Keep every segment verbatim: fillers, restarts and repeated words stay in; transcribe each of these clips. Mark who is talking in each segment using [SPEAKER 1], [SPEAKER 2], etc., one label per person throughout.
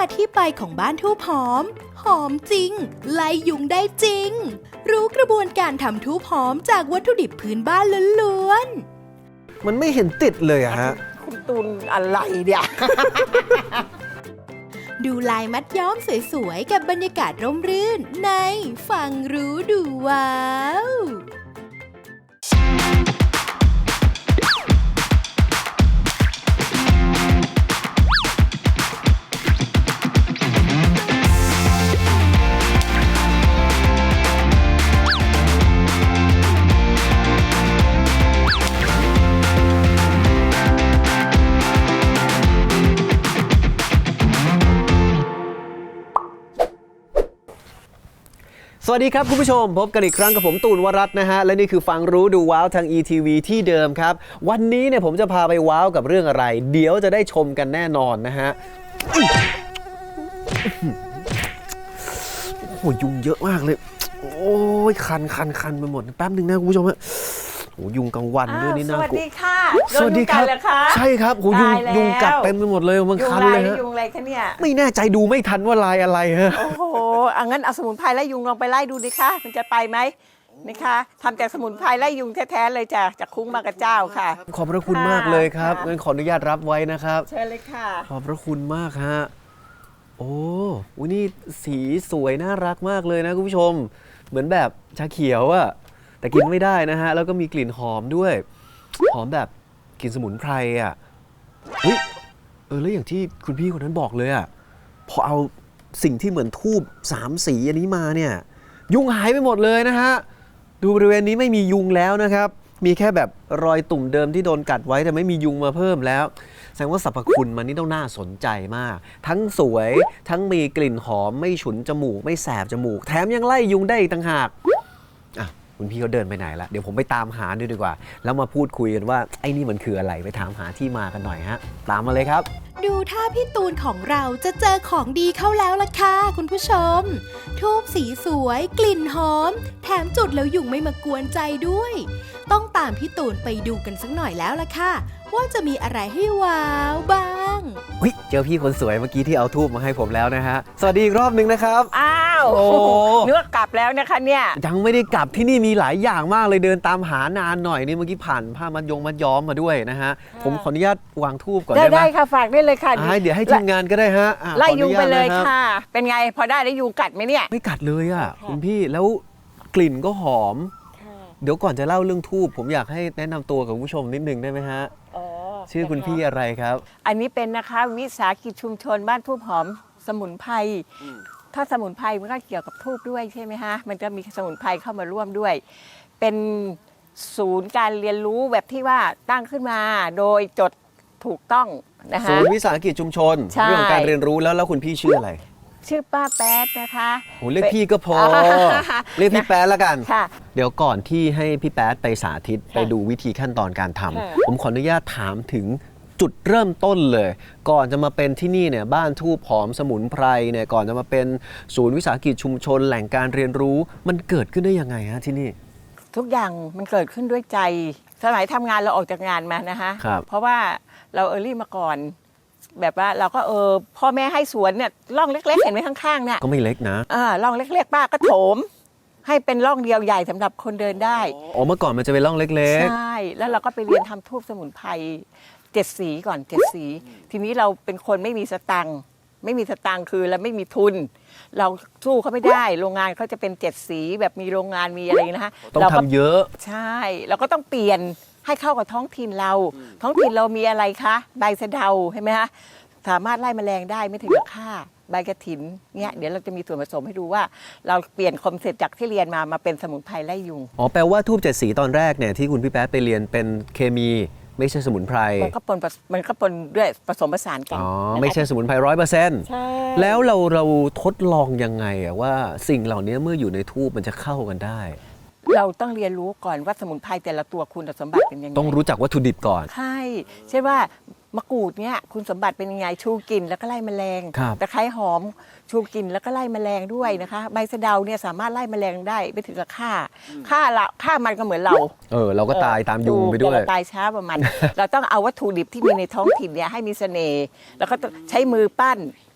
[SPEAKER 1] ที่ไปของบ้านทูบหอมหอมจริงไล่ยุงได้จริงรู้กระบวนการทำทูบหอมจากวัตถุดิบพื้นบ้านล้วน
[SPEAKER 2] ๆมันไม่เห็นติดเลยอะฮะ
[SPEAKER 3] คุณตูนอะไรเนี่ย
[SPEAKER 1] ดูลายมัดย้อมสวยๆกับบรรยากาศร่มรื่นในฟังรู้ดูว้าว
[SPEAKER 2] สวัสดีครับคุณผู้ชมพบกันอีกครั้งกับผมตูนวรัตน์นะฮะและนี่คือฟังรู้ดูว้าวทาง อี ที วี ที่เดิมครับวันนี้เนี่ยผมจะพาไปว้าวกับเรื่องอะไรเดี๋ยวจะได้ชมกันแน่นอนนะฮะโอ้โหยุงเยอะมากเลยโอ้ยคันคันคันไปหมดแป๊บหนึ่งนะคุณผู้ชมฮะโอ้ยุงกลางวันด้วยนี่น่ากลัว
[SPEAKER 3] สวัสดีค่ะ
[SPEAKER 2] สวัสดีครับใช่ครับโอ้ยุงยุงกัดเต็มไปหมดเลยมันคันเลยฮะ
[SPEAKER 3] ยุงอะไรคะเนี่ย
[SPEAKER 2] ไม่แน่ใจดูไม่ทันว่าลายอะไรฮะ
[SPEAKER 3] โอ้โหอังั้นเอาสมุนไพรไล่ยุงลองไปไล่ดูดิคะมันจะไปไหมนะคะทำจากสมุนไพรไล่ยุงแท้ๆเลยจากจากคุ้งมากระเจ้าค่ะ
[SPEAKER 2] ขอบพระคุณมากเลยครับงั้นขออนุญาตรับไว้นะครับ
[SPEAKER 3] เชิญเลยค่ะ
[SPEAKER 2] ขอบพระคุณมากฮะโอ้อุ๊ยนี่สีสวยน่ารักมากเลยนะคุณผู้ชมเหมือนแบบชาเขียวอะแต่กินไม่ได้นะฮะแล้วก็มีกลิ่นหอมด้วยหอมแบบกลิ่นสมุนไพรอะเฮ้ยเออแล้วอย่างที่คุณพี่คนนั้นบอกเลยอะพอเอาสิ่งที่เหมือนธูปสามสีอันนี้มาเนี่ยยุงหายไปหมดเลยนะฮะดูบริเวณนี้ไม่มียุงแล้วนะครับมีแค่แบบรอยตุ่มเดิมที่โดนกัดไว้แต่ไม่มียุงมาเพิ่มแล้วแสดงว่าสรรพคุณมันนี่ต้องน่าสนใจมากทั้งสวยทั้งมีกลิ่นหอมไม่ฉุนจมูกไม่แสบจมูกแถมยังไล่ยุงได้อีกต่างหากอ่ะคุณพี่เขาเดินไปไหนละเดี๋ยวผมไปตามหาดูดีกว่าแล้วมาพูดคุยกันว่าไอ้นี่มันคืออะไรไปถามหาที่มากันหน่อยฮะตามมาเลยครับ
[SPEAKER 1] ดูท่าพี่ตูนของเราจะเจอของดีเข้าแล้วล่ะค่ะคุณผู้ชมทูบสีสวยกลิ่นหอมแถมจุดแล้วยุงไม่มากวนใจด้วยต้องตามพี่ตูนไปดูกันสักหน่อยแล้วล่ะค่ะว่าจะมีอะไรให้ว้าวบ้าง
[SPEAKER 2] อุ๊ยเจอพี่คนสวยเมื่อกี้ที่เอาทูบมาให้ผมแล้วนะฮะสวัสดีอีกรอบนึงนะครับ
[SPEAKER 3] อ้าวโอ้นึกว่ากลับแล้วนะคะเนี่ย
[SPEAKER 2] ยังไม่ได้กลับที่นี่มีหลายอย่างมากเลยเดินตามหานานหน่อยนี่เมื่อกี้ผ่านผ้ามัดยงมัดย้อมมาด้วยนะฮะผมขออนุญาตวางทูบก่อนได้ไหม
[SPEAKER 3] ได้ค่ะฝากได้เลยค่ะ
[SPEAKER 2] เดี๋ยวให้ทีมงานก็ได้ฮะ
[SPEAKER 3] ไล่ยุงไปเลยค่ะเป็นไงพอได้แล้วยุงกัดไหมเนี่ย
[SPEAKER 2] ไม่กัดเลยอ่ะคุณพี่แล้วกลิ่นก็หอมเดี๋ยวก่อนจะเล่าเรื่องทูบผมอยากให้แนะนำตัวกับผู้ชมนิดนึงได้ไหมฮะชื่อคุณพี่อะไรครับ
[SPEAKER 3] อันนี้เป็นนะคะวิสาหกิจชุมชนบ้านทูบหอมสมุนไพรถ้าสมุนไพรมันก็เกี่ยวกับทูบด้วยใช่ไหมฮะมันจะมีสมุนไพรเข้ามาร่วมด้วยเป็นศูนย์การเรียนรู้แบบที่ว่าตั้งขึ้นมาโดยจดถูกต้องนะคะ
[SPEAKER 2] ศูนย์วิสาหกิจชุมชนเรื่องของการเรียนรู้แล้วแล้วคุณพี่ชื่ออะไร
[SPEAKER 3] ชื่อป้าแป๊ดนะคะ
[SPEAKER 2] โหเรียกพี่ก็พอเรียกพี่แป๊ดแล้วกันเดี๋ยวก่อนที่ให้พี่แป๊ดไปสาธิตไปดูวิธีขั้นตอนการทำผมขออนุญาตถามถึงจุดเริ่มต้นเลยก่อนจะมาเป็นที่นี่เนี่ยบ้านทูบหอมสมุนไพรเนี่ยก่อนจะมาเป็นศูนย์วิสาหกิจชุมชนแหล่งการเรียนรู้มันเกิดขึ้นได้ยังไงฮะที่นี่
[SPEAKER 3] ทุกอย่างมันเกิดขึ้นด้วยใจสมัยทำงานเราออกจากงานมานะคะเพราะว่าเราเออรี่มาก่อนแบบว่าเราก็เออพ่อแม่ให้สวนเนี่ยร่องเล็กๆเห็นไหมข้างๆเนี่ย
[SPEAKER 2] ก็ไม่เล็กนะ
[SPEAKER 3] อ่าร่องเล็กๆป้าก็โถมให้เป็นร่องเดียวใหญ่สำหรับคนเดินได้
[SPEAKER 2] อ๋อเมื่อก่อนมันจะเป็นร่องเล็ก
[SPEAKER 3] ๆใช่แล้วเราก็ไปเรียนทำทูบสมุนไพรเจ็ดสีก่อนเจ็ดสีทีนี้เราเป็นคนไม่มีสตังค์ไม่มีสตังค์คือเราไม่มีทุนเราสู้เขาไม่ได้โรงงานเขาจะเป็นเจ็ดสีแบบมีโรงงานมีอะไรนะฮะ
[SPEAKER 2] ต้องทำเยอะ
[SPEAKER 3] ใช่เราก็ต้องเปลี่ยนให้เข้ากับท้องถิ่นเราท้องถิ่นเรามีอะไรคะใบสะเดาใช่ไหมคะสามารถไล่แมลงได้ไม่ถึงกับฆ่าใบกระถินเนี่ยเดี๋ยวเราจะมีส่วนผสมให้ดูว่าเราเปลี่ยนคอนเซ็ปต์จากที่เรียนมามาเป็นสมุนไพรไล่ยุง
[SPEAKER 2] อ๋อแปลว่าทูบเจ็ดสีตอนแรกเนี่ยที่คุณพี่แป๊ดไปเรียนเป็นเคมีไม่ใช่สมุนไพร
[SPEAKER 3] มันก็ปนมันก็ปนด้วยผสมผสานกัน
[SPEAKER 2] อ๋อไม่ใช่สมุนไพรร้อยเปอร์เซ็นต์
[SPEAKER 3] ใช่
[SPEAKER 2] แล้วเราเราทดลองยังไงอะว่าสิ่งเหล่านี้เมื่ออยู่ในทูบมันจะเข้ากันได้
[SPEAKER 3] เราต้องเรียนรู้ก่อนว่าสมุนไพรแต่ละตัวคุณสมบัติเป็นยังไง
[SPEAKER 2] ต้องรู้จักวัตถุดิบก่อน
[SPEAKER 3] ใช่ใช่ว่ามะกรูดเนี่ยคุณสมบัติเป็นยังไงชูกลิ่นแล้วก็ไล่แมลงตะไคร้หอมชูกลิ่นแล้วก็ไล่แมลงด้วยนะคะใบสะเดาเนี่ยสามารถไล่แมลงได้ไม่ถึงกับฆ่าฆ่าละฆ่ามันก็เหมือนเรา
[SPEAKER 2] เออเราก็ตายตามยุงไปด้วย
[SPEAKER 3] ตายช้าประมาณเราต้องเอาวัตถุดิบที่มีในท้องถิ่นเนี่ยให้มีเสน่ห์แล้วก็ใช้มือปั้น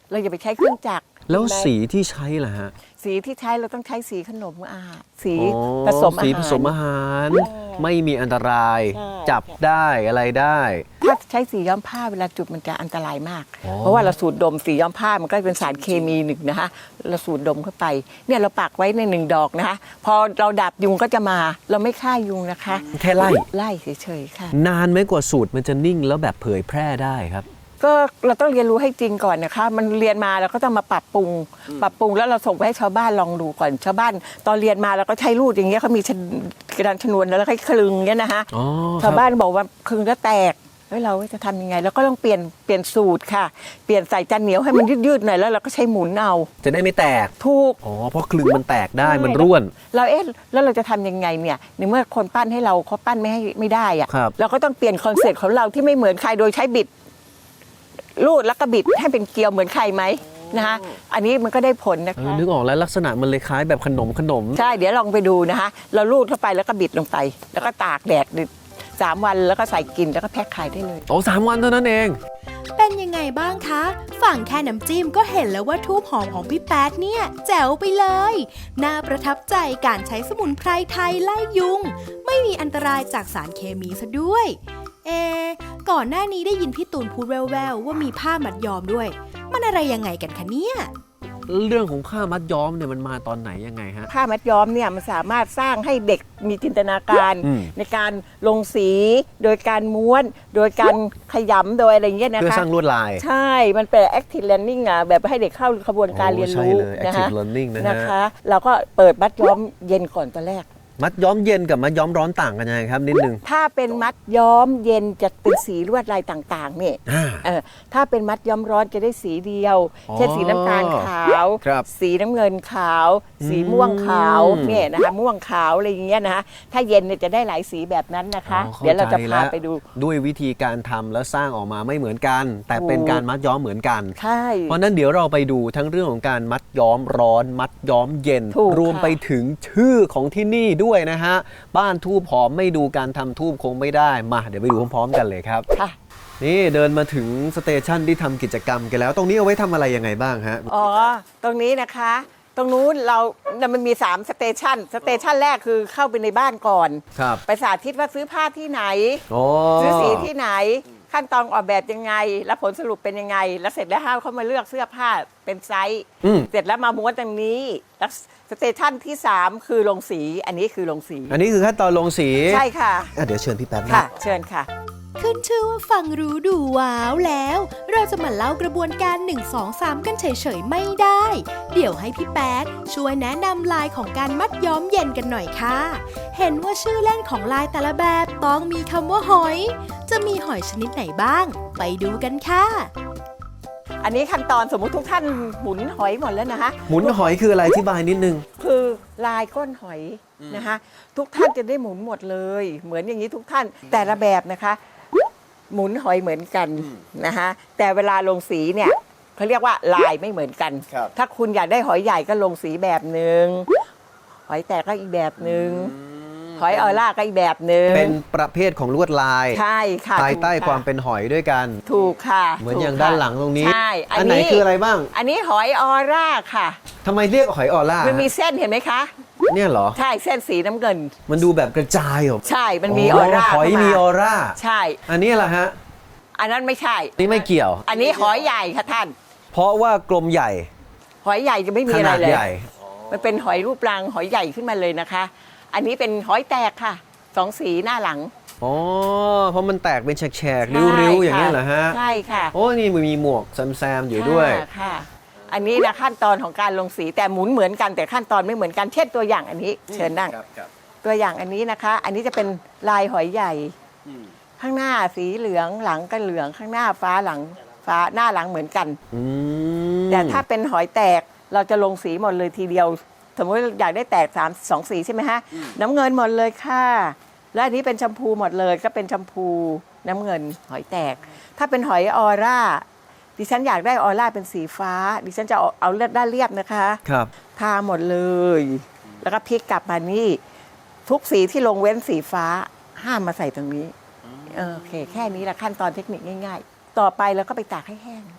[SPEAKER 3] เราอย่าไปใช้เครื่องจักร
[SPEAKER 2] แล้ว
[SPEAKER 3] เห็นไหม
[SPEAKER 2] สีที่ใช้ล่ะฮะ
[SPEAKER 3] สีที่ใช้เราต้องใช้สีขนมอาหารสี
[SPEAKER 2] อ๋อ
[SPEAKER 3] ผสมอา
[SPEAKER 2] สี
[SPEAKER 3] หาร
[SPEAKER 2] ผสมอาหาร ไม่มีอันตราย
[SPEAKER 3] ใช่
[SPEAKER 2] จับได้อะไรได้
[SPEAKER 3] ถ้าใช้สีย้อมผ้าเวลาจุดมันจะอันตรายมาก
[SPEAKER 2] อ๋อ
[SPEAKER 3] เพราะว่าเราสูดดมสีย้อมผ้ามันก็เป็นสารเคมีหนึ่งนะคะเราสูดดมเข้าไปเนี่ยเราปักไว้ในหนึ่งดอกนะคะพอเราดับยุงก็จะมาเราไม่ฆ่ายุงนะคะ
[SPEAKER 2] แค่ไล่
[SPEAKER 3] ไล่เฉยๆค่ะ
[SPEAKER 2] นานไหมกว่าสูตรมันจะนิ่งแล้วแบบเผยแพร่ได้ครับ
[SPEAKER 3] ก็เราต้องเรียนรู้ให้จริงก่อนนะคะ มันเรียนมาเราก็ต้องมาปรับปรุง ปรับปรุงแล้วเราส่งไปให้ชาวบ้านลองดูก่อนชาวบ้าน ตอนเรียนมาเราก็ใช้รูดอย่างเงี้ยเขามีชนกระดานชนวนแล้วให้คลึงเงี้ยนะคะ
[SPEAKER 2] อ๋อ
[SPEAKER 3] ชาวบ้านบอกว่าคลึงแล้วแตกแล้วเราจะทำยังไงเราก็ต้องเปลี่ยนเปลี่ยนสูตรค่ะเปลี่ยนใส่จานเหนียวให้มันยืดๆหน่อยแล้วเราก็ใช้หมุนเอา
[SPEAKER 2] จะได้ไม่แตก
[SPEAKER 3] ถูก
[SPEAKER 2] อ๋อ เพราะคลึงมันแตกได้ มันร่วน
[SPEAKER 3] เราเอ๊ะแล้วเราจะทำยังไงเนี่ยในเมื่อคนปั้นให้เราเขาปั้นไม่ให้ไม่ได้อะ
[SPEAKER 2] ครับ
[SPEAKER 3] เราก็ต้องเปลี่ยนคอนเซ็ปต์ของเราที่ไม่เหมือนใครโดยใช้บิดรูดแล้วก็บิดให้เป็นเกลียวเหมือนใครไหมนะคะอันนี้มันก็ได้ผลนะ
[SPEAKER 2] เออ
[SPEAKER 3] คะ
[SPEAKER 2] นึกออกแล้วลักษณะมันเลยคล้ายแบบขนมขนม
[SPEAKER 3] ใช่เดี๋ยวลองไปดูนะคะเรารูดเข้าไปแล้วก็บิดลงไป แล้วก็ตากแดดสามวันแล้วก็ใส่กินแล้วก็แพ็คขายได้เลย
[SPEAKER 2] โอ้สามวันเท่านั้นเอง
[SPEAKER 1] เป็นยังไงบ้างคะ ฝั่งแค่น้ำจิ้มก็เห็นแล้วว่าทูบหอมของพี่แป๊ดเนี่ย แจ๋วไปเลย น่าประทับใจการใช้สมุนไพรไทยไล่ยุง ไม่มีอันตรายจากสารเคมีซะด้วย เอะก่อนหน้านี้ได้ยินพี่ตูนพูดแว่วๆว่ามีผ้ามัดย้อมด้วย มันอะไรยังไงกันคะเนี่ย
[SPEAKER 2] เรื่องของผ้ามัดย้อมเนี่ยมันมาตอนไหนยังไงฮะ
[SPEAKER 3] ผ้ามัดย้อมเนี่ยมันสามารถสร้างให้เด็กมีจินตนาการ
[SPEAKER 2] อืม
[SPEAKER 3] ในการลงสีโดยการม้วน โดยการขยำโดยอะไรเงี้ยนะ
[SPEAKER 2] เพื่อ
[SPEAKER 3] คะ
[SPEAKER 2] สร้างลวดลาย
[SPEAKER 3] ใช่ มันเป็น active learning อ่ะแบบให้เด็กเข้าขบวนการ
[SPEAKER 2] โอ้
[SPEAKER 3] เรียน
[SPEAKER 2] ใช่
[SPEAKER 3] รู้
[SPEAKER 2] เลย
[SPEAKER 3] นะคะ
[SPEAKER 2] active learning นะฮะ
[SPEAKER 3] นะคะ เราก็เปิดมัดย้อมเย็นก่อนตอนแรก
[SPEAKER 2] มัดย้อมเย็นกับมัดย้อมร้อนต่างกันยังไงครับนิดนึง
[SPEAKER 3] ถ้าเป็นมัดย้อมเย็นจะเป็นสีลวดลายต่างๆเนี่ย
[SPEAKER 2] อ่า
[SPEAKER 3] เออถ้าเป็นมัดย้อมร้อนจะได้สีเดียว
[SPEAKER 2] อ๋อ
[SPEAKER 3] เช่นสีน้ำตาลขาว
[SPEAKER 2] ครับ
[SPEAKER 3] สีน้ำเงินขาว สีม่วงขาว
[SPEAKER 2] อืม
[SPEAKER 3] เนี่ยนะคะม่วงขาวอะไรอย่างเงี้ยนะคะถ้าเย็นเนี่ยจะได้หลายสีแบบนั้นนะคะ
[SPEAKER 2] อ๋อข้
[SPEAKER 3] เดี๋ยวเราจะ
[SPEAKER 2] ใจ
[SPEAKER 3] พา
[SPEAKER 2] แล้ว
[SPEAKER 3] ไปดู
[SPEAKER 2] ด้วยวิธีการทำแล้วสร้างออกมาไม่เหมือนกัน แต่เป็น
[SPEAKER 3] ถูก
[SPEAKER 2] การมัดย้อมเหมือนกัน
[SPEAKER 3] ใช่
[SPEAKER 2] เพราะนั้นเดี๋ยวเราไปดูทั้งเรื่องของการมัดย้อมร้อน มัดย้อมเย็น
[SPEAKER 3] ถูก
[SPEAKER 2] รวม
[SPEAKER 3] ค่ะ
[SPEAKER 2] ไปถึงชื่อของที่นี่ด้วยนะฮะ บ้านทูบหอมไม่ดูการทำทูบคงไม่ได้มาเดี๋ยวไปดูพร้อมๆกันเลยครับ
[SPEAKER 3] ค่ะ
[SPEAKER 2] นี่เดินมาถึงสเตชันที่ทำกิจกรรมกันแล้ว ตรงนี้เอาไว้ทำอะไรยังไงบ้างฮะ
[SPEAKER 3] อ๋อ ตรงนี้นะคะ ตรงนู้นเรามันมีสามสเตชันสเตชันแรกคือเข้าไปในบ้านก่อน
[SPEAKER 2] ครับ
[SPEAKER 3] ไปสาธิตว่าซื้อผ้าที่ไหน
[SPEAKER 2] โอ้
[SPEAKER 3] ซื้อสีที่ไหน ขั้นตอนออกแบบยังไง แล้วผลสรุปเป็นยังไง แล้วเสร็จแล้วให้เขามาเลือกเสื้อผ้าเป็นไซส์
[SPEAKER 2] อืม
[SPEAKER 3] เสร็จแล้วมาม้วนตรงนี้ แล้วสเตชันที่สามคือลงสี อันนี้คือลงสี
[SPEAKER 2] อันนี้คือขั้นตอนลงสี
[SPEAKER 3] ใช่ค่ะ
[SPEAKER 2] อ่ะเดี๋ยวเชิญพี่แป๊บนะ
[SPEAKER 3] ค่ะ เชิญค่ะ
[SPEAKER 1] ขึ้นชื่อว่าฟังรู้ดูว้าวแล้ว เราจะมาเล่ากระบวนการ หนึ่ง สอง สาม กันเฉยๆไม่ได้ เดี๋ยวให้พี่แป๊ดช่วยแนะนำลายของการมัดย้อมเย็นกันหน่อยค่ะ เห็นว่าชื่อเล่นของลายแต่ละแบบต้องมีคำว่าหอย จะมีหอยชนิดไหนบ้าง ไปดูกันค่ะ
[SPEAKER 3] อันนี้ขั้นตอนสมมุติทุกท่านหมุนหอยหมดแล้วนะคะ
[SPEAKER 2] หมุนหอยคืออะไรอธิบายนิดนึง
[SPEAKER 3] คือลายก้นหอยนะคะ ทุกท่านจะได้หมุนหมดเลย เหมือนอย่างนี้ทุกท่านแต่ละแบบนะคะ หมุนหอยเหมือนกันนะคะแต่เวลาลงสีเนี่ยเขาเรียกว่าลายไม่เหมือนกัน
[SPEAKER 2] ครับ
[SPEAKER 3] ถ้าคุณอยากได้หอยใหญ่ก็ลงสีแบบหนึ่งหอยแตกก็อีกแบบหนึ่งหอยออร่าก็อีกแบบหนึ่ง
[SPEAKER 2] เป็นประเภทของลวดลาย
[SPEAKER 3] ใช่ค่ะ
[SPEAKER 2] ภายใต้
[SPEAKER 3] ถูกะ
[SPEAKER 2] ความเป็นหอยด้วยกัน
[SPEAKER 3] ถูกค่ะ
[SPEAKER 2] เหมือน
[SPEAKER 3] ถูก
[SPEAKER 2] อย่าง
[SPEAKER 3] ค่ะ
[SPEAKER 2] ด้านหลังตรงนี้
[SPEAKER 3] ใช่
[SPEAKER 2] อันไหนคืออะไรบ้าง
[SPEAKER 3] อันนี้หอยออร่าค่ะ
[SPEAKER 2] ทำไมเรียกหอยออร่า
[SPEAKER 3] มันมีเส้นเห็นไหมคะ
[SPEAKER 2] เนี่ยเหรอ
[SPEAKER 3] ใช่เส้นสีน้ำเงิน
[SPEAKER 2] มันดูแบบกระจายเหรอ
[SPEAKER 3] ใช่มันมีออร่า
[SPEAKER 2] หอย
[SPEAKER 3] เข้าา
[SPEAKER 2] มีออร่า
[SPEAKER 3] ใช่
[SPEAKER 2] อันนี้แหละฮะ
[SPEAKER 3] อันนั้นไม่ใช่
[SPEAKER 2] นี่ไม่เกี่ยว
[SPEAKER 3] อันนี้หอยใหญ่ค่ะท่าน
[SPEAKER 2] เพราะว่ากลมใหญ่
[SPEAKER 3] หอยใหญ่จะไม่มี
[SPEAKER 2] ข
[SPEAKER 3] อะไร
[SPEAKER 2] นาด
[SPEAKER 3] เลย
[SPEAKER 2] ใหญ่
[SPEAKER 3] มันเป็นหอยรูปรังหอยใหญ่ขึ้นมาเลยนะคะ อันนี้เป็นหอยแตกค่ะ สองสีหน้าหลัง
[SPEAKER 2] อ๋อ เพราะมันแตกเป็นแฉกๆ ริ้วๆ อย่างนี้ยเหรอฮะ
[SPEAKER 3] ใช่ค่ะ
[SPEAKER 2] โอ้นี่มันมีหมวกแซมๆ อยู่ด้วย
[SPEAKER 3] ค่ะค่ะ อันนี้นะขั้นตอนของการลงสีแต่หมุนเหมือนกันแต่ขั้นตอนไม่เหมือนกันเช่นตัวอย่างอันนี้ เชิญนั่งตัวอย่างอันนี้นะคะ อันนี้จะเป็นลายหอยใหญ่ ข้างหน้าสีเหลืองหลังก็เหลืองข้างหน้าฟ้าหลังฟ้าหน้าหลังเหมือนกัน
[SPEAKER 2] อืม
[SPEAKER 3] แต่ถ้าเป็นหอยแตกเราจะลงสีหมดเลยทีเดียว สมมติอยากได้แตกสามสองสีใช่ไหมฮะน้ำเงินหมดเลยค่ะ และอันนี้เป็นชมพูหมดเลยก็เป็นชมพูน้ำเงินหอยแตก ถ้าเป็นหอยออร่าดิฉันอยากได้ออร่าเป็นสีฟ้า ดิฉันจะเอาเอาเลือดด้านเรียบนะคะ
[SPEAKER 2] ครับ
[SPEAKER 3] ทาหมดเลย แล้วก็พลิกกลับมานี่ทุกสีที่ลงเว้นสีฟ้าห้ามมาใส่ตรงนี้เออโอเค แค่นี้แหละขั้นตอนเทคนิคง่าย ๆ ต่อไปเราก็ไปตากให้แห้ง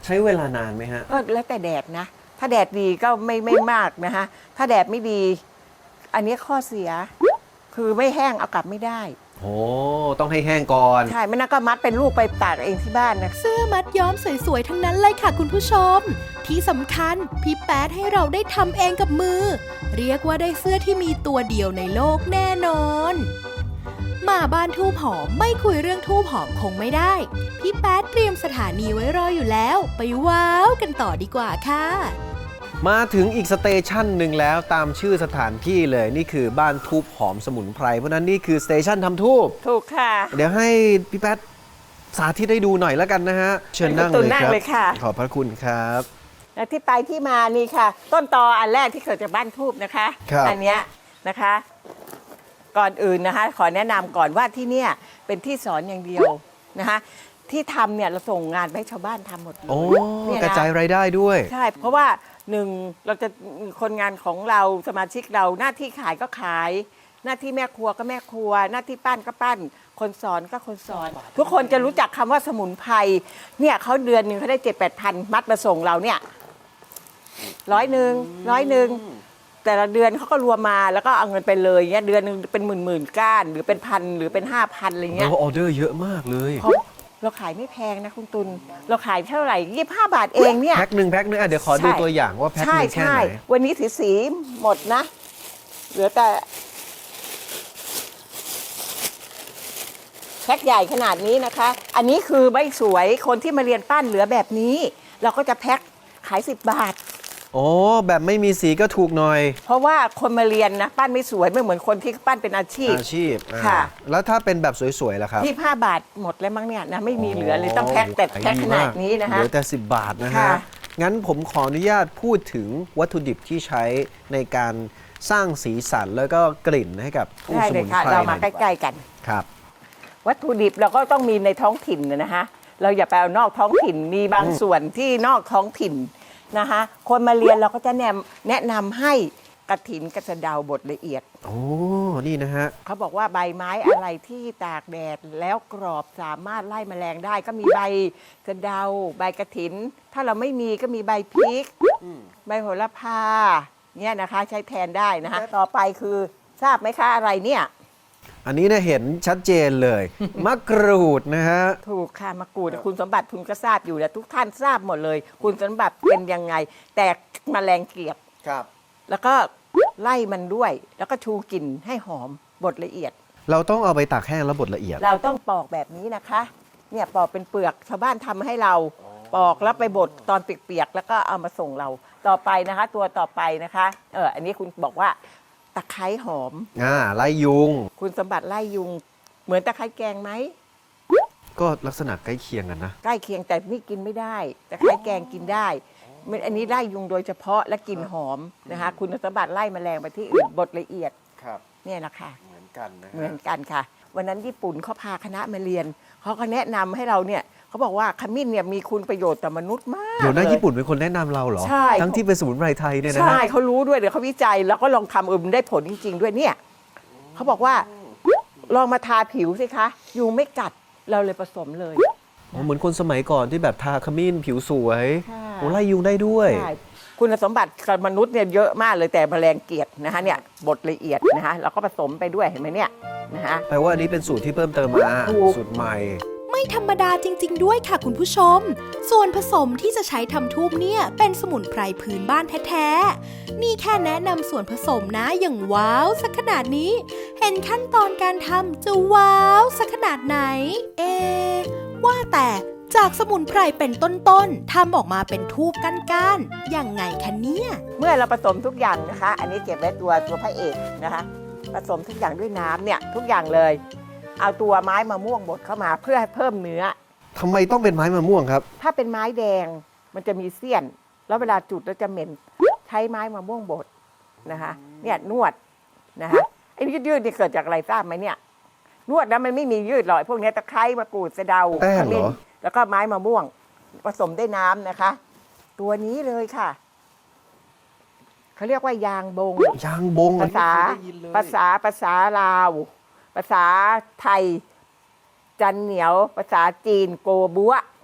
[SPEAKER 2] ใช้เวลานานไหมฮะ
[SPEAKER 3] ก็แล้วแต่แดดนะ ถ้าแดดดีก็ไม่ไม่มากนะคะถ้าแดดไม่ดี อันนี้ข้อเสีย คือไม่แห้งเอากลับไม่ได้
[SPEAKER 2] โอ้ต้องให้แห้งก่อน
[SPEAKER 3] ใช่ไม่นั่นก็มัดเป็นลูกไปตากเองที่บ้านนะ
[SPEAKER 1] เสื้อมัดย้อมสวยๆ ทั้งนั้นเลยค่ะคุณผู้ชม ที่สำคัญพี่แป๊ดให้เราได้ทำเองกับมือ เรียกว่าได้เสื้อที่มีตัวเดียวในโลกแน่นอน มาบ้านทูบหอมไม่คุยเรื่องทูบหอมคงไม่ได้ พี่แป๊ดเตรียมสถานีไว้รออยู่แล้ว ไปว้าวกันต่อดีกว่าค่ะ
[SPEAKER 2] มาถึงอีกสเตชันหนึ่งแล้วตามชื่อสถานที่เลยนี่คือบ้านทูบหอมสมุนไพรเพราะนั้นนี่คือสเตชันทำทูบ
[SPEAKER 3] ถูกค่ะ
[SPEAKER 2] เดี๋ยวให้พี่แป๊ดสาธิตให้ดูหน่อยแล้วกันนะฮะ เชิญนั่ง
[SPEAKER 3] ตุ
[SPEAKER 2] เลย
[SPEAKER 3] นั่ง
[SPEAKER 2] ครับ
[SPEAKER 3] เลยค่ะ
[SPEAKER 2] ขอบพระคุณครับ
[SPEAKER 3] และที่ไปที่มานี่ค่ะ ต้นตออันแรกที่เกิดจากบ้านทูบนะคะ
[SPEAKER 2] ครับ
[SPEAKER 3] อันเนี้ยนะคะ ก่อนอื่นนะคะ ขอแนะนำก่อนว่าที่เนี่ยเป็นที่สอนอย่างเดียวนะคะ ที่ทำเนี่ยเราส่งงานไปให้ชาวบ้านทำหมดเลย
[SPEAKER 2] โอ้
[SPEAKER 3] เนี่ย
[SPEAKER 2] กระ
[SPEAKER 3] นะ
[SPEAKER 2] จายรายได้ด้วย
[SPEAKER 3] ใช่ เพราะว่าหนึ่งเราจะคนงานของเราสมาชิกเราหน้าที่ขายก็ขาย หน้าที่แม่ครัวก็แม่ครัว หน้าที่ปั้นก็ปั้น คนสอนก็คนสอน ทุกคนจะรู้จักคำว่าสมุนไพรเนี่ยเขาเดือนหนึ่งเขาได้เจ็ดแปดพันมัดมาส่งเราเนี่ยร้อยหนึ่งร้อยหนึ่งแต่ละเดือนเขาก็รวมมาแล้วก็เอาเงินไปเลยเนี่ยเดือนหนึ่งเป็นหมื่นหมื่นก้าน หรือเป็นพันหรือเป็นห้าพันอะไรเงี้ย
[SPEAKER 2] โอ้ออเดอร์เยอะมากเลย
[SPEAKER 3] เพราะเราขายไม่แพงนะคุณตุลเราขายเท่าไหร่ยี่สิบห้าบาทเองเนี่ย
[SPEAKER 2] แพ็คหนึ่งแพ็คหนึ่งอ่ะเดี๋ยวขอดู
[SPEAKER 3] ใช่
[SPEAKER 2] ตัวอย่างว่าแพ็คห
[SPEAKER 3] ใช่
[SPEAKER 2] นึ่งแค่
[SPEAKER 3] ใช่
[SPEAKER 2] ไหน
[SPEAKER 3] วันนี้สีสีหมดนะ เหลือแต่แพ็คใหญ่ขนาดนี้นะคะ อันนี้คือไม่สวยคนที่มาเรียนปั้นเหลือแบบนี้ เราก็จะแพ็คขายสิบบาท
[SPEAKER 2] โอ้แบบไม่มีสีก็ถูกหน่อย
[SPEAKER 3] เพราะว่าคนมาเรียนนะปั้นไม่สวยไม่เหมือนคนที่ปั้นเป็นอาชีพ
[SPEAKER 2] อาชีพอ่า
[SPEAKER 3] ค่ะ
[SPEAKER 2] แล้วถ้าเป็นแบบสวยๆล่ะครับ
[SPEAKER 3] ที่ห้าบาทหมดแล้วมั้งเนี่ยนะไม่มีเหลือเลยต้องแพ็คแต่
[SPEAKER 2] ขาย
[SPEAKER 3] แพ็ค
[SPEAKER 2] ดี
[SPEAKER 3] ขนาด
[SPEAKER 2] มก
[SPEAKER 3] นี้นะคะ
[SPEAKER 2] เหลือแต่สิบบาทนะฮะ
[SPEAKER 3] ค่ะ
[SPEAKER 2] งั้นผมขออนุญาตพูดถึงวัตถุดิบที่ใช้ในการสร้างสีสันแล้วก็กลิ่นให้กับผู้
[SPEAKER 3] ได้
[SPEAKER 2] ส
[SPEAKER 3] เล
[SPEAKER 2] มุ
[SPEAKER 3] ย
[SPEAKER 2] น
[SPEAKER 3] ค่ะ
[SPEAKER 2] ไพร
[SPEAKER 3] เรา
[SPEAKER 2] หน่
[SPEAKER 3] มา
[SPEAKER 2] อย
[SPEAKER 3] ใก
[SPEAKER 2] ดีกว่า
[SPEAKER 3] ล้ๆกัน
[SPEAKER 2] ครับ
[SPEAKER 3] วัตถุดิบเราก็ต้องมีในท้องถิ่นนะฮะ เราอย่าไปเอานอกท้องถิ่น มีบางส่วนที่นอกท้องถิ่นนะคะ คนมาเรียนเราก็จะแนะแนะนำให้กระถินกระสะเดาบดละเอียด
[SPEAKER 2] โอ้ นี่นะฮะ
[SPEAKER 3] เขาบอกว่าใบไม้อะไรที่ตากแดดแล้วกรอบสามารถไล่แมลงได้ ก็มีใบสะเดา ใบกระถิน ถ้าเราไม่มีก็มีใบพริก ใบโหระพา เนี่ยนะคะใช้แทนได้นะคะ ต่อไปคือทราบไหมคะอะไรเนี่ย
[SPEAKER 2] อันนี้เนี่ยเห็นชัดเจนเลย มะกรูดนะฮะ
[SPEAKER 3] ถูกค่ะมะกรูดคุณสมบัติคุณก็ทราบอยู่แล้วทุกท่านทราบหมดเลย คุณสมบัติเป็นยังไง แต่แมลงเกลียบ
[SPEAKER 2] ครับ
[SPEAKER 3] แล้วก็ไล่มันด้วย แล้วก็ชูกลิ่นให้หอมบดละเอียด
[SPEAKER 2] เราต้องเอาไปตากแห้งแล้วบดละเอียด
[SPEAKER 3] เราต้องปอกแบบนี้นะคะ เนี่ยปอกเป็นเปลือกชาวบ้านทำให้เราปอกแล้วไปบดตอนเปียกๆแล้วก็เอามาส่งเราต่อไปนะคะ ตัวต่อไปนะคะเอออันนี้คุณบอกว่าตะไคร้หอม
[SPEAKER 2] อ่า ไล่ยุง
[SPEAKER 3] คุณสมบัติไล่ยุง เหมือนตะไคร้แกงไหม
[SPEAKER 2] ก็ลักษณะใกล้เคียงกันนะ
[SPEAKER 3] ใกล้เคียงแต่นี่กินไม่ได้ตะไคร้แกงกินได้มันอันนี้ไล่ยุงโดยเฉพาะและกลิ่นหอมนะคะ คุณสมบัติไล่แมลงไปที่อื่นบดละเอียด
[SPEAKER 2] ครับ
[SPEAKER 3] เนี่ยนะคะ
[SPEAKER 2] เหมือนกันนะ
[SPEAKER 3] เหมือนกันค่ะ วันนั้นญี่ปุ่นเขาพาคณะมาเรียนเขาก็แนะนำให้เราเนี่ยเขาบอกว่าขมิ้นเนี่ยมีคุณประโยชน์ต่อมนุษย์มาก
[SPEAKER 2] เดี๋ยวนะ
[SPEAKER 3] ล
[SPEAKER 2] ญี่ปุ่นเป็นคนแนะนำเราเหรอ
[SPEAKER 3] ใช่
[SPEAKER 2] ทั้งที่เป็นสมุนไพรไทยเนี่ยนะ
[SPEAKER 3] ใช่
[SPEAKER 2] ฮะ
[SPEAKER 3] เขารู้ด้วยเดี๋ยวเขาวิจัยแล้วก็ลองทำเออมันได้ผลจริง ๆ ด้วยเนี่ยเขาบอกว่าลองมาทาผิวสิคะยุงไม่กัดเราเลยผสมเลย
[SPEAKER 2] อ๋อเหมือนคนสมัยก่อนที่แบบทาขมิ้นผิวสวย
[SPEAKER 3] ใช่
[SPEAKER 2] โอ้ไล่ยุงได้ด้วย
[SPEAKER 3] ใช่คุณสมบัติกับมนุษย์เนี่ยเยอะมากเลยแต่แมลงเกลียดนะคะเนี่ยบดละเอียดนะคะเราก็ผสมไปด้วยเห็นไหมเนี่ยนะคะ
[SPEAKER 2] แปลว่าอันนี้เป็นสูตรที่เพิ่มเติมมา
[SPEAKER 3] ถูก
[SPEAKER 2] สูตรใหม่
[SPEAKER 1] ไม่ธรรมดาจริง ๆ ด้วยค่ะคุณผู้ชม ส่วนผสมที่จะใช้ทำทูบเนี่ยเป็นสมุนไพรพื้นบ้านแท้ๆ นี่แค่แนะนำส่วนผสมนะอย่างว้าวสักขนาดนี้ เห็นขั้นตอนการทำจะว้าวสักขนาดไหน เอะว่าแต่จากสมุนไพรเป็นต้นๆทำออกมาเป็นทูบก้านๆยังไงคะเนี่ย
[SPEAKER 3] เมื่อเราผสมทุกอย่างนะคะ อันนี้เก็บไว้ตัวตัวพระเอกนะคะ ผสมทุกอย่างด้วยน้ำเนี่ยทุกอย่างเลย เอาตัวไม้มะม่วงบดเข้ามาเพื่อให้เพิ่มเนื้อ
[SPEAKER 2] ทำไมต้องเป็นไม้มะม่วงครับ
[SPEAKER 3] ถ้าเป็นไม้แดงมันจะมีเสี้ยน แล้วเวลาจุดแล้วจะเหม็นใช้ไม้มะม่วงบดนะคะเนี่ยนวดนะคะไอ้ยืดๆนี่เกิดจากอะไรทราบไหมเนี่ยนวดแล้วมันไม่มียืดหรอกพวกนี้ตะไคร้มะกรูดสะเดา
[SPEAKER 2] แป้ง
[SPEAKER 3] ข
[SPEAKER 2] เหรอ
[SPEAKER 3] มิ้นแล้วก็ไม้มะม่วง ผสมด้วยน้ำนะคะ ตัวนี้เลยค่ะเขาเรียกว่ายางบง
[SPEAKER 2] ยางบง
[SPEAKER 3] ภาษา
[SPEAKER 2] อันนี้ไม่เคยได้ยินเลย
[SPEAKER 3] ภาษาภาษาลาว ภาษาไทย จันเหนียว ภาษาจีนโกบัว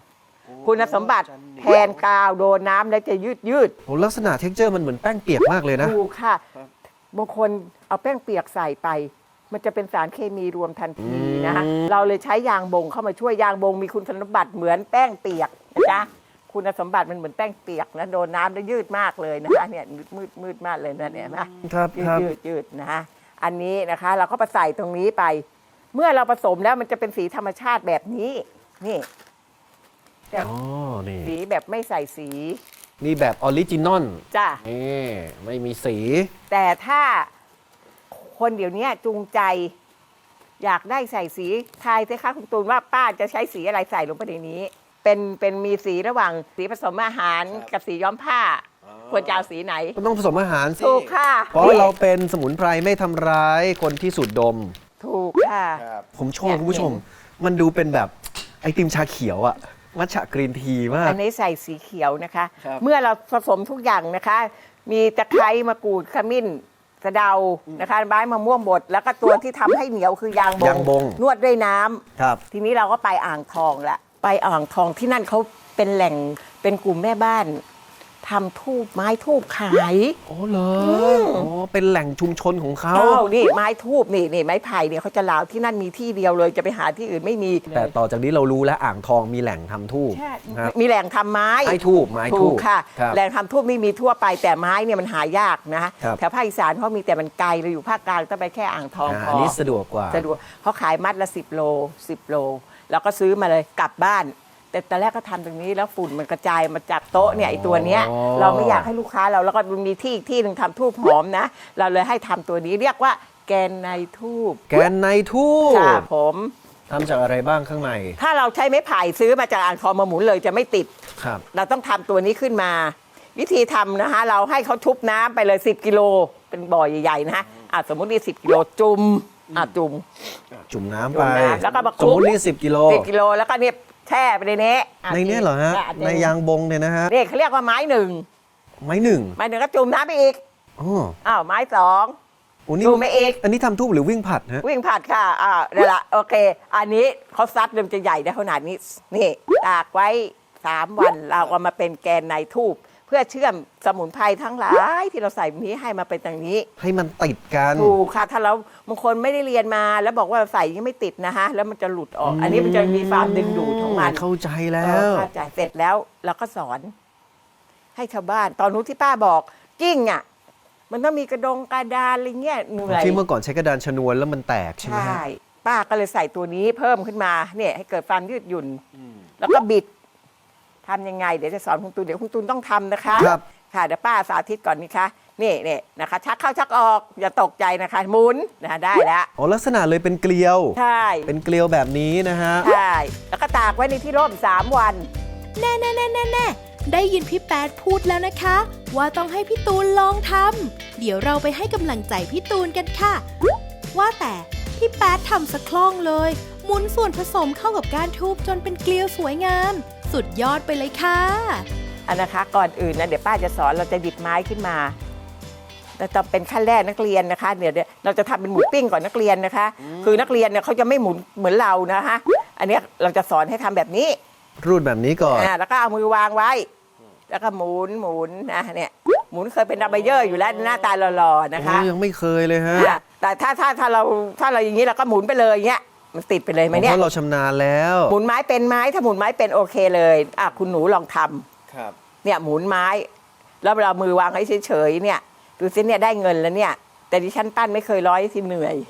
[SPEAKER 3] คุณสมบัติแทนกาวโดนน้ำแล้วจะยืดยืด
[SPEAKER 2] โอ้ลักษณะเท็กเจอร์มันเหมือนแป้งเปียกมากเลยนะ
[SPEAKER 3] ถูกค่ะบางคนเอาแป้งเปียกใส่ไป มันจะเป็นสารเคมีรวมทันทีนะคะเราเลยใช้ยางบงเข้ามาช่วยยางบงมีคุณสมบัติเหมือนแป้งเปียกนะจ๊ะคุณสมบัติมันเหมือนแป้งเปียกนะโดนน้ำแล้วยืดมากเลยนะคะเนี่ยมืดมืดมากเลยนะเนี่ยนะครับ ยื
[SPEAKER 2] ค
[SPEAKER 3] ด
[SPEAKER 2] รับ
[SPEAKER 3] ยืดยืดนะคะอันนี้นะคะ เราก็ไปใส่ตรงนี้ไป เมื่อเราผสมแล้วมันจะเป็นสีธรรมชาติแบบนี้ นี่
[SPEAKER 2] อ๋อ นี่
[SPEAKER 3] สีแบบไม่ใส่สี
[SPEAKER 2] นี่แบบออริจินอล
[SPEAKER 3] จ้ะ
[SPEAKER 2] นี่ไม่มีสี
[SPEAKER 3] แต่ถ้าคนเดี๋ยวนี้จูงใจ อยากได้ใส่สีทายสิคะคุณตูนว่าป้าจะใช้สีอะไรใส่ลงไปในนี้ เป็นเป็นมีสีระหว่างสีผสมอาหารกับสีย้อมผ้า ควรจะเอาสีไหน
[SPEAKER 2] ก็ต้องผสมอาหารสิ
[SPEAKER 3] ถูกค่ะ
[SPEAKER 2] เพราะเราเป็นสมุนไพรไม่ทำร้ายคนที่สูดดม
[SPEAKER 3] ถูกค่ะ
[SPEAKER 2] ผมชอบคุณผู้ชม มันดูเป็นแบบไอติมชาเขียวอะมัทฉะกรีนทีมาก
[SPEAKER 3] อันนี้ใส่สีเขียวนะคะ
[SPEAKER 2] ครับ
[SPEAKER 3] เมื่อเราผสมทุกอย่างนะคะ มีตะไคร้มะกรูดขมิ้นสะเดานะคะใบมะม่วงบดแล้วก็ตัวที่ทำให้เหนียวคือยางบง
[SPEAKER 2] ยางบง
[SPEAKER 3] นวดด้วยน้ำ
[SPEAKER 2] ครับ
[SPEAKER 3] ทีนี้เราก็ไปอ่างทองละไปอ่างทองที่นั่นเขาเป็นแหล่งเป็นกลุ่มแม่บ้านทำทูบไม้ทูบขาย
[SPEAKER 2] โอ้เหรออ๋อเป็นแหล่งชุมชนของเขา
[SPEAKER 3] อ้าวนี่ไม้ทูบนี่นี่ไม้ไผ่เนี่ยเขาจะลาวที่นั่นมีที่เดียวเลยจะไปหาที่อื่นไม่มี
[SPEAKER 2] แต่ต่อจากนี้เรารู้แล้วอ่างทองมีแหล่งทำทูบ
[SPEAKER 3] ใช่
[SPEAKER 2] ครับ
[SPEAKER 3] มีแหล่งทำไม้
[SPEAKER 2] ไม้ทูบไม้
[SPEAKER 3] ถู
[SPEAKER 2] ทู
[SPEAKER 3] ก
[SPEAKER 2] บ
[SPEAKER 3] ค่ะ
[SPEAKER 2] ครับ
[SPEAKER 3] แหล่งทำทูบนี่มีทั่วไปแต่ไม้เนี่ยมันหายากนะ
[SPEAKER 2] ครับ
[SPEAKER 3] แถวภาคอีสานเขามีแต่มันไกลเราอยู่ภาคกลางต้องไปแค่อ่างทอง
[SPEAKER 2] อ่า
[SPEAKER 3] พ
[SPEAKER 2] อั
[SPEAKER 3] อน
[SPEAKER 2] นี้สะดวกกว่า
[SPEAKER 3] สะดวกเขาขายมัดละสิบโลสิบโลแล้วก็ซื้อมาเลยกลับบ้าน แต่ตอนแรกก็ทำตรงนี้แล้วฝุ่นมันกระจายมาจากโต๊ะเนี่ยไอ้ตัวเนี้ย
[SPEAKER 2] อ๋อ
[SPEAKER 3] เราไม่อยากให้ลูกค้าเราแล้วก็มีที่อีกที่หนึ่งทำทูบหอมนะ เราเลยให้ทำตัวนี้เรียกว่าแกนในทูบ
[SPEAKER 2] แกนในทูบ
[SPEAKER 3] ค่ะผม
[SPEAKER 2] ทำจากอะไรบ้างข้างใน
[SPEAKER 3] ถ้าเราใช้ไม้ไผ่ซื้อมาจากอ่างทองมาหมุนเลยจะไม่ติด
[SPEAKER 2] ครับ
[SPEAKER 3] เราต้องทำตัวนี้ขึ้นมา วิธีทำนะคะ เราให้เขาชุบน้ำไปเลยสิบกิโลเป็นบ่อใหญ่ๆนะฮะอ่ะสมมตินี่สิบกิโลจุ่มอ่ะจุ่ม
[SPEAKER 2] จุ่มน้ำ
[SPEAKER 3] จุ่
[SPEAKER 2] ไป
[SPEAKER 3] มน้ำแล้วก็มาค
[SPEAKER 2] ส
[SPEAKER 3] ลุ
[SPEAKER 2] ม
[SPEAKER 3] ก
[SPEAKER 2] มตินี่สิบกิโล
[SPEAKER 3] สิบกิโลแล้วก็เนี่ยแช่ไปในนี้อ่ะ
[SPEAKER 2] ในเนี้ยเหรอฮะ
[SPEAKER 3] อ่
[SPEAKER 2] ในยางบงเนี่ยนะฮะ
[SPEAKER 3] นี่เขาเรียกว่าไม้หนึ่ง
[SPEAKER 2] ไม้หนึ่ง
[SPEAKER 3] ไม้หนึ่งก็จุ่มน้ำไปอีก
[SPEAKER 2] อ๋อ
[SPEAKER 3] อ้าวไม้สอง
[SPEAKER 2] โอ้นี่
[SPEAKER 3] จุ่มไปอีก
[SPEAKER 2] อันนี้ทำทูบหรือวิ่งผัดฮะ
[SPEAKER 3] วิ่งผัดค่ะอ่าเดี๋ยวละโอเค อันนี้เขาซัดเริ่มจะใหญ่ได้ขนาดนี้นี่ตากไว้สามวันเราก็มาเป็นแกนในทูบเพื่อเชื่อมสมุนไพรทั้งหลายที่เราใส่นี้ให้มาเป็นอย่างนี้
[SPEAKER 2] ให้มันติดกัน
[SPEAKER 3] ถูกค่ะถ้าเราบางคนไม่ได้เรียนมาแล้วบอกว่าใส่ยังไม่ติดนะฮะแล้วมันจะหลุดออก อันนี้มันจะมีความดึงดูดของมัน
[SPEAKER 2] เข้าใจแล้
[SPEAKER 3] เออ
[SPEAKER 2] ว
[SPEAKER 3] เข้าใจเสร็จแล้วเราก็สอน ให้ชาวบ้าน ตอนนู้นที่ป้าบอกกิ้งอ่ะมันต้องมีกระดงกระดานอะไรเงี้ยเหนื่อย
[SPEAKER 2] ที่เมื่อก่อนใช้กระดานชนวนแล้วมันแตกใช่ไหม
[SPEAKER 3] ใช่
[SPEAKER 2] ฮะ
[SPEAKER 3] ป้าก็เลยใส่ตัวนี้เพิ่มขึ้นมาเนี่ยให้เกิดความยืดหยุ่น แล้วก็บิดทำยังไง เดี๋ยวจะสอนคุณตูนเดี๋ยวคุณตูนต้องทำนะคะ
[SPEAKER 2] ครับ
[SPEAKER 3] ค่ะเดี๋ยวป้าสาธิตก่อนนี่คะนี่นี่นะคะ ชักเข้าชักออก อย่าตกใจนะคะหมุนนะคะได้แล้ว
[SPEAKER 2] อ๋อลักษณะเลยเป็นเกลียว
[SPEAKER 3] ใช่
[SPEAKER 2] เป็นเกลียวแบบนี้นะฮะ
[SPEAKER 3] ใช่แล้วก็ตากไว้ในที่ร่มสามวัน
[SPEAKER 1] แน่แน่แน่แน่แน่ได้ยินพี่แป๊ดพูดแล้วนะคะ ว่าต้องให้พี่ตูนลองทำเดี๋ยวเราไปให้กำลังใจพี่ตูนกันค่ะ ว่าแต่พี่แป๊ดทำสะคล่องเลย หมุนส่วนผสมเข้ากับก้านทูบจนเป็นเกลียวสวยงาม สุดยอดไปเลยค่ะ
[SPEAKER 3] อันนะคะ ก่อนอื่นนะเดี๋ยวป้าจะสอนเราจะดิบไม้ขึ้นมาแต่จะเป็นขั้นแรกนักเรียนนะคะเดี๋ยวเดี๋ยวเราจะทำเป็นหมูปิ้งก่อนนักเรียนนะคะ คือนักเรียนเนี่ยเขาจะไม่หมุนเหมือนเรานะคะอันเนี้ยเราจะสอนให้ทำแบบนี้
[SPEAKER 2] รูดแบบนี้ก่อน
[SPEAKER 3] อ่าแล้วก็เอามือวางไว้ แล้วก็หมุนหมุนนะเนี่ยหมุนเคยเป็นดับเบิลเยอร์อยู่แล้วหน้าตาหล่อๆนะคะ
[SPEAKER 2] โอ้ยังไม่เคยเลยฮะ
[SPEAKER 3] อ่ะแต่ถ้าถ้าถ้าเราถ้าเราอย่างนี้เราก็หมุนไปเลยอย่างเงี้ยมันติดไปเลยไหม
[SPEAKER 2] เพ
[SPEAKER 3] เนี่ย
[SPEAKER 2] ราะเราชำนาญแล้ว
[SPEAKER 3] หมุนไม้เป็นไม้ถ้าหมุนไม้เป็นโอเคเลยอ่ะคุณหนูลองทำ
[SPEAKER 2] ครับ
[SPEAKER 3] เนี่ยหมุนไม้ แล้วเรามือวางให้เฉยๆเนี่ยดูสิเนี่ยได้เงินแล้วเนี่ย แต่ดิฉันปั้นไม่เคยร้อยที่เหนื่อย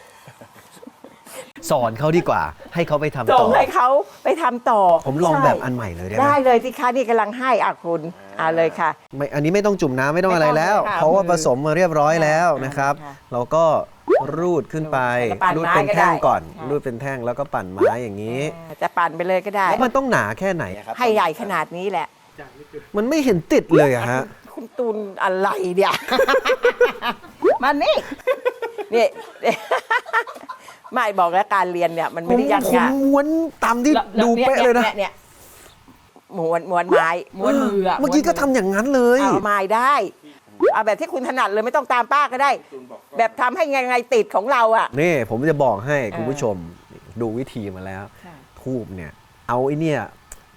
[SPEAKER 2] สอนเขาดีกว่า ให้เขาไปทำ
[SPEAKER 3] ส่
[SPEAKER 2] ต่
[SPEAKER 3] ง
[SPEAKER 2] อ
[SPEAKER 3] ให้เขาไปทำต่อ
[SPEAKER 2] ผมลอง
[SPEAKER 3] ใช่
[SPEAKER 2] แบบอันใหม่เลยได้ไหม
[SPEAKER 3] ได้เลยที่ค้านี่กำลังให้อ่ะคุณอ่าเลยค่ะ
[SPEAKER 2] ไม่อันนี้ไม่ต้องจุ่มน้ำไม่ต้องอะไรแล้ว
[SPEAKER 3] ไม่ต้องค่ะ
[SPEAKER 2] เพราะว่าผสมมาเรียบร้อยแล้วนะครับ
[SPEAKER 3] ค่ะ
[SPEAKER 2] เราก็รูดขึ้นไป
[SPEAKER 3] แล้วก็ปั่น
[SPEAKER 2] รูด
[SPEAKER 3] ไม้
[SPEAKER 2] เป็น
[SPEAKER 3] ก็
[SPEAKER 2] แท่ง
[SPEAKER 3] ได้
[SPEAKER 2] ก่อน
[SPEAKER 3] ค่ะ
[SPEAKER 2] รูดเป็นแท่งแล้วก็ปั่นไม้อย่างนี้
[SPEAKER 3] อ่าจะปั่นไปเลยก็ได้
[SPEAKER 2] แล้วมันต้องหนาแค่ไหนครับ
[SPEAKER 3] ให้ใหญ่ขนาดนี้แหละ
[SPEAKER 2] มันไม่เห็นติดเลยอะฮะ
[SPEAKER 3] คุณตูนอะไรเนี่ย มานี่นี่ ไม่บอกแล้วการเรียนเนี่ย มัน
[SPEAKER 2] ผ
[SPEAKER 3] ไม่
[SPEAKER 2] ม
[SPEAKER 3] ได้ยาก
[SPEAKER 2] ผม
[SPEAKER 3] ยาก
[SPEAKER 2] ม้วนตามที่ดูเป๊ะเลยนะ
[SPEAKER 3] เนี่ยม้วนม้วนไม้ม้วนมืออะ
[SPEAKER 2] เมื่อกี้ก็ทำอย่างนั้นเลย
[SPEAKER 3] เอาไม้ได้เอาแบบที่คุณถนัดเลยไม่ต้องตามป้าก็ได้ แบบทำให้ไงไงติดของเราอ่ะ
[SPEAKER 2] นี่ผมจะบอกให้
[SPEAKER 3] เออ
[SPEAKER 2] คุณผู้ชมดูวิธีมาแล้ว
[SPEAKER 3] ค่ะ
[SPEAKER 2] ทูบเนี่ย เอาไอ้เนี่ย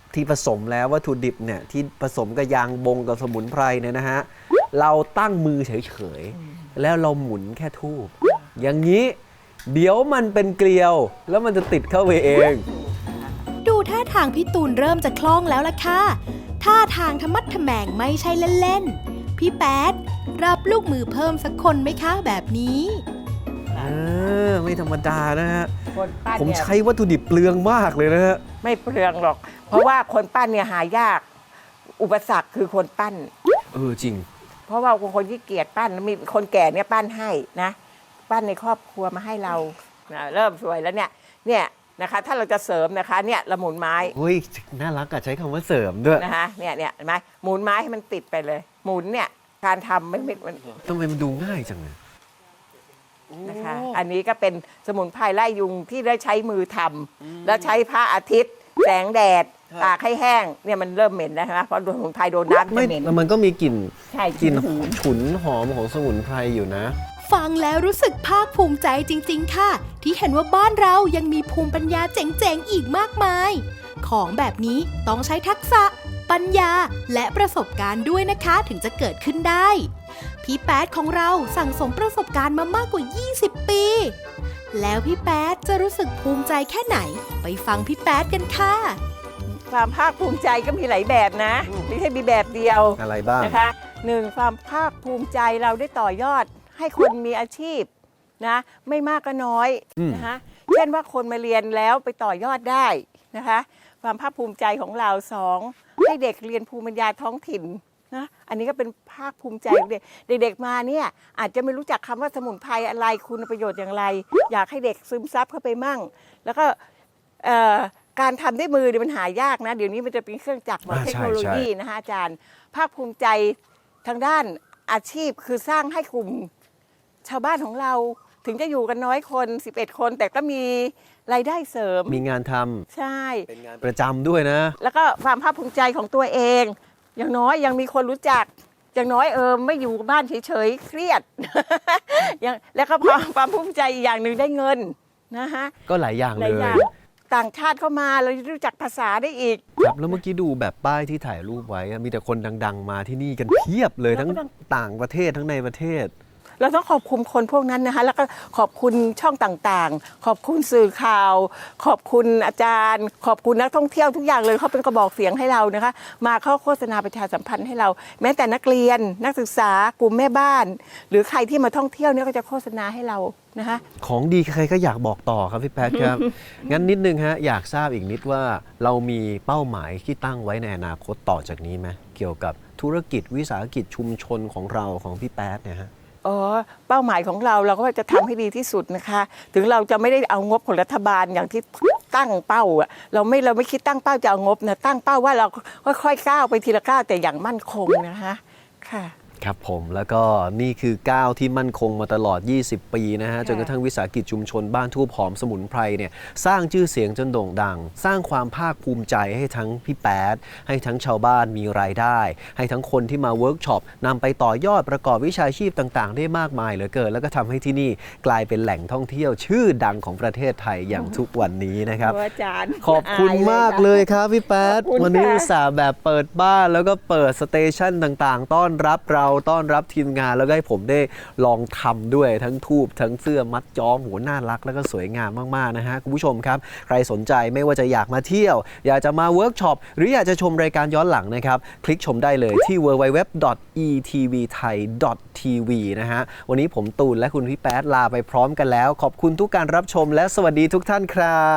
[SPEAKER 2] ที่ผสมแล้ววัตถุดิบเนี่ยที่ผสมกับยางบงกับสมุนไพรเนี่ยนะฮะเราตั้งมือเฉยๆแล้วเราหมุนแค่ทูบอย่างนี้เดี๋ยวมันเป็นเกลียวแล้วมันจะติดเข้าไปเอง
[SPEAKER 1] ดูท่าทางพี่ตูนเริ่มจะคล่องแล้วล่ะค่ะท่าทางธรรมัดทแมงไม่ใช่เล่นๆพี่แป๊ดรับลูกมือเพิ่มสักคนไหมคะแบบนี้
[SPEAKER 2] เออไม่ธรรมดานะฮะ
[SPEAKER 3] คนปั้น
[SPEAKER 2] ผม
[SPEAKER 3] เนี่ย
[SPEAKER 2] ใช้วัตถุดิบเปลืองมากเลยนะฮะ
[SPEAKER 3] ไม่เปลืองหรอก เพราะว่าคนปั้นเนี่ยหายาก อุปสรรคคือคนปั้น
[SPEAKER 2] เออจริง
[SPEAKER 3] เพราะว่าคนที่เกียจปั้นมีคนแก่เนี่ยปั้นให้นะ ปั้นในครอบครัวมาให้เรานะเริ่มสวยแล้วเนี่ยเนี่ยนะคะถ้าเราจะเสริมนะคะเนี่ยเราหมุนไม้
[SPEAKER 2] เฮ้ยน่ารักอะใช้คำว่าเสริมด้วย
[SPEAKER 3] นะคะเนี่ยเนี่ยเห็นไหมหมุนไม้ให้มันติดไปเลย หมุนเนี่ยการทำไม่ไม่มัน
[SPEAKER 2] ทำไมมันดูง่ายจังเลย
[SPEAKER 3] นะคะอันนี้ก็เป็นสมุนไพรไล่ยุงที่ได้ใช้มือทำแล้วใช้พระอาทิตย์ แสงแดดตากให้แห้งเนี่ยมันเริ่มเหม็นแล้วใช่ไหมเพราะสมุนไพรโดนน้ำ
[SPEAKER 2] ไม่
[SPEAKER 3] จะเหม็น
[SPEAKER 2] แล้วมันก็มีกลิ่น
[SPEAKER 3] ใช่
[SPEAKER 2] กลิ่น
[SPEAKER 3] หืน
[SPEAKER 2] ฉุนหอมของสมุนไพรอยู่นะ
[SPEAKER 1] ฟังแล้วรู้สึกภาคภูมิใจจริงๆค่ะ ที่เห็นว่าบ้านเรายังมีภูมิปัญญาเจ๋งๆอีกมากมาย ของแบบนี้ต้องใช้ทักษะ ปัญญาและประสบการณ์ด้วยนะคะถึงจะเกิดขึ้นได้ พี่แป๊ดของเราสั่งสมประสบการณ์มามากกว่า ยี่สิบ ปี แล้วพี่แป๊ดจะรู้สึกภูมิใจแค่ไหน ไปฟังพี่แป๊ดกันค่ะ
[SPEAKER 3] ความภาคภูมิใจก็มีหลายแบบนะไม่ใช่มีแบบเดียว
[SPEAKER 2] อะไรบ้าง
[SPEAKER 3] นะคะหนึ่งความภาคภูมิใจเราได้ต่อยอดให้คนมีอาชีพนะไม่มากก็น้อย
[SPEAKER 2] อืม
[SPEAKER 3] นะคะเช่นว่าคนมาเรียนแล้วไปต่อยอดได้นะคะความภาคภูมิใจของเราสองให้เด็กเรียนภูมิปัญญาท้องถิ่นนะอันนี้ก็เป็นภาคภูมิใจของเด็กเด็กๆมาเนี่ยอาจจะไม่รู้จักคำว่าสมุนไพรอะไรคุณประโยชน์อย่างไร อยากให้เด็กซึมซับเข้าไปมั่ง แล้วก็เอ่อการทำด้วยมือเนี่ยมันหายากนะเดี๋ยวนี้มันจะเป็นเครื่องจักรหมด
[SPEAKER 2] อ่า
[SPEAKER 3] เทค
[SPEAKER 2] ใช่
[SPEAKER 3] โนโล
[SPEAKER 2] ใช่
[SPEAKER 3] ยีนะคะอาจารย์ ภาคภูมิใจทางด้านอาชีพคือสร้างให้กลุ่มชาวบ้านของเราถึงจะอยู่กันน้อยคนสิบเอ็ดคน แต่ก็มีรายได้เสริม
[SPEAKER 2] มีงานทำ
[SPEAKER 3] ใช่
[SPEAKER 2] เป็นงานประจำด้วยนะ
[SPEAKER 3] แล้วก็ความภาคภูมิใจของตัวเอง อย่างน้อยยังมีคนรู้จัก อย่างน้อยเออไม่อยู่บ้านเฉยๆเครียด อย่างแล้วก็ความความภูมิใจอีกอย่างหนึ่งได้เงินนะฮะ
[SPEAKER 2] ก็หลายอย่าง
[SPEAKER 3] ห
[SPEAKER 2] เล
[SPEAKER 3] ลาย
[SPEAKER 2] ย
[SPEAKER 3] อย่างต่างชาติเข้ามาเรารู้จักภาษาได้อีก
[SPEAKER 2] ครับแล้วเมื่อกี้ดูแบบป้ายที่ถ่ายรูปไว้อะมีแต่คนดัง ๆ มาที่นี่กันเพียบเลยทั้ง
[SPEAKER 3] แล้วก็ดัง
[SPEAKER 2] ต่างประเทศทั้งในประเทศ
[SPEAKER 3] เราต้องขอบคุณคนพวกนั้นนะคะแล้วก็ขอบคุณช่องต่างๆ ขอบคุณสื่อข่าว ขอบคุณอาจารย์ ขอบคุณนักท่องเที่ยวทุกอย่างเลยเขาเป็นกระบอกเสียงให้เรานะคะ มาเข้าโฆษณาประชาสัมพันธ์ให้เรา แม้แต่นักเรียนนักศึกษากลุ่มแม่บ้าน หรือใครที่มาท่องเที่ยวเนี่ยก็จะโฆษณาให้เรานะคะ
[SPEAKER 2] ของดีใครก็อยากบอกต่อครับพี่แป๊ดครับ งั้นนิดนึงฮะอยากทราบอีกนิดว่าเรามีเป้าหมายที่ตั้งไว้ในอนาคตต่อจากนี้ไหมเกี่ยวกับธุรกิจวิสาหกิจชุมชนของเราของพี่แป๊ดเนี่ยฮะ
[SPEAKER 3] อ๋อเป้าหมายของเราเราก็จะทำให้ดีที่สุดนะคะ ถึงเราจะไม่ได้เอางบของรัฐบาลอย่างที่ตั้งเป้าอะเราไม่เราไม่คิดตั้งเป้าจะเอางบนะตั้งเป้าว่าเราค่อยๆก้าวไปทีละก้าวแต่อย่างมั่นคงนะคะค่ะ
[SPEAKER 2] ครับผมแล้วก็นี่คือก้าวที่มั่นคงมาตลอด ยี่สิบ ปีนะฮะ
[SPEAKER 3] ค่ะ
[SPEAKER 2] จนกระทั่งวิสาหกิจชุมชนบ้านทูบหอมสมุนไพรเนี่ยสร้างชื่อเสียงจนโด่งดัง สร้างความภาคภูมิใจให้ทั้งพี่แป๊ดให้ทั้งชาวบ้านมีรายได้ ให้ทั้งคนที่มาเวิร์กช็อปนำไปต่อยอดประกอบวิชาชีพต่างๆ ได้มากมายเหลือเกิน แล้วก็ทำให้ที่นี่กลายเป็นแหล่งท่องเที่ยวชื่อดังของประเทศไทยอย่างทุกวันนี้นะครับ
[SPEAKER 3] โอ้อาจารย์
[SPEAKER 2] ขอบคุณมากเลยครับพี่แป๊ด
[SPEAKER 3] ขอบคุณ
[SPEAKER 2] วันนี้
[SPEAKER 3] ค่ะ
[SPEAKER 2] อุตส่าห์แบบเปิดบ้านแล้วก็เปิดสเตชันต่างๆ ต้อนรับเราต้อนรับทีมงานแล้วก็ให้ผมได้ลองทำด้วยทั้งทูบทั้งเสื้อมัดย้อมหัวน่ารักแล้วก็สวยงามมากๆนะฮะคุณผู้ชมครับ ใครสนใจไม่ว่าจะอยากมาเที่ยว อยากจะมาเวิร์กช็อปหรืออยากจะชมรายการย้อนหลังนะครับ คลิกชมได้เลยที่ ดับเบิลยู ดับเบิลยู ดับเบิลยู ดอท อี ที วี ไทย ดอท ที วี นะฮะวันนี้ผมตูนและคุณพี่แป๊ดลาไปพร้อมกันแล้ว ขอบคุณทุกการรับชมและสวัสดีทุกท่านครับ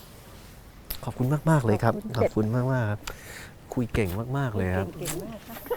[SPEAKER 2] ขอบคุณมากๆเลยครับขอบคุณมากๆครับคุยเก่งมากๆเลยครับ
[SPEAKER 3] เก่งมากค่ะ